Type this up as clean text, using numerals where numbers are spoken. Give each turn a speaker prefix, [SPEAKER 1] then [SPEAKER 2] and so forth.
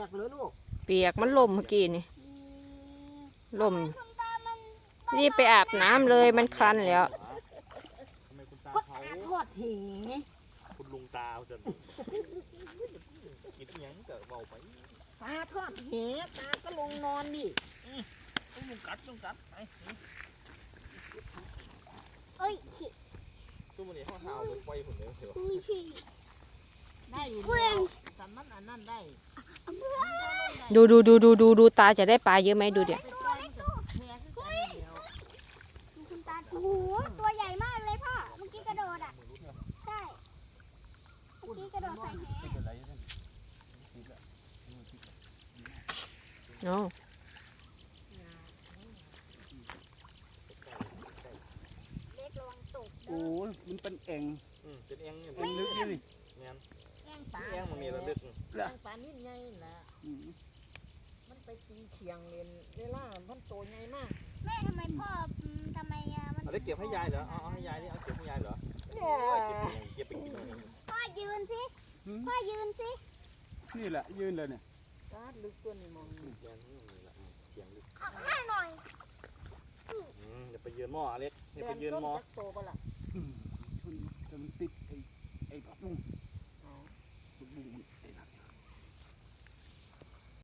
[SPEAKER 1] ยกเลยลูก
[SPEAKER 2] เปียกมันล่มเมื่อกี้นี่ล่มรีบไปอาบน้ำเลยมันคลันแล้ว
[SPEAKER 3] ทำไมคุณตาเขา
[SPEAKER 1] ทอดเห
[SPEAKER 3] คุณลุงตาจะคิดยังจะเบาไป
[SPEAKER 1] ตาทอดเหตาก็ลงนอนดิ
[SPEAKER 3] ต้องกัดไป
[SPEAKER 4] เอ้ย
[SPEAKER 3] ตู้มันนี่ห้องหาวไปปล่อยผมเลยเถอะ
[SPEAKER 1] ได้อยู่แล้วสำมันอันนั้นได้
[SPEAKER 2] ดูตาจะได้ปลาเยอะไหมดูเดี๋ยว
[SPEAKER 4] คุณตาโอ้โหตัวใหญ่มากเลยพ่อเมื่อกี้กระโดดอ่ะใช่เมื่อกี้กระโดดใส่แห
[SPEAKER 2] เนาะ
[SPEAKER 4] เล็กระวังตก
[SPEAKER 5] โอ้ยมันเป็นเอง
[SPEAKER 3] เป็นเองเนี่ย
[SPEAKER 5] เป็นลึกนี่
[SPEAKER 3] เงี้ย
[SPEAKER 1] แองปลา
[SPEAKER 3] เองมันมีระลึก
[SPEAKER 1] แองปลานิดใหญ่แหละมันไปตีเฉียงเรียนเวลามันโตใหญ่มาก
[SPEAKER 4] แม่ทำไมพ่อทำไมมัน
[SPEAKER 3] เอาได้เก็บให้ยายเหรอเอาให้ยายนี่เอาเก็บให้ยายเหรอ
[SPEAKER 1] เนี่ย
[SPEAKER 3] เก็บไปกิน
[SPEAKER 4] พ่อยืนสิพ่อยืนสิ
[SPEAKER 5] นี่แหละยืนเลยเนี่ย
[SPEAKER 1] ตาลึกตัวนี้มอง
[SPEAKER 3] เสียงนี่ละเสียงลึก
[SPEAKER 4] เอาให้หน่อย
[SPEAKER 3] เดี๋ยวไปยืนหม้อเล็กเดี๋ยวไปยืนหม้อ
[SPEAKER 1] โตก็ล่ะ
[SPEAKER 5] ชนแต่มันติดไอ้ผักบุ้งผักบุ้งมันไอ้หนัก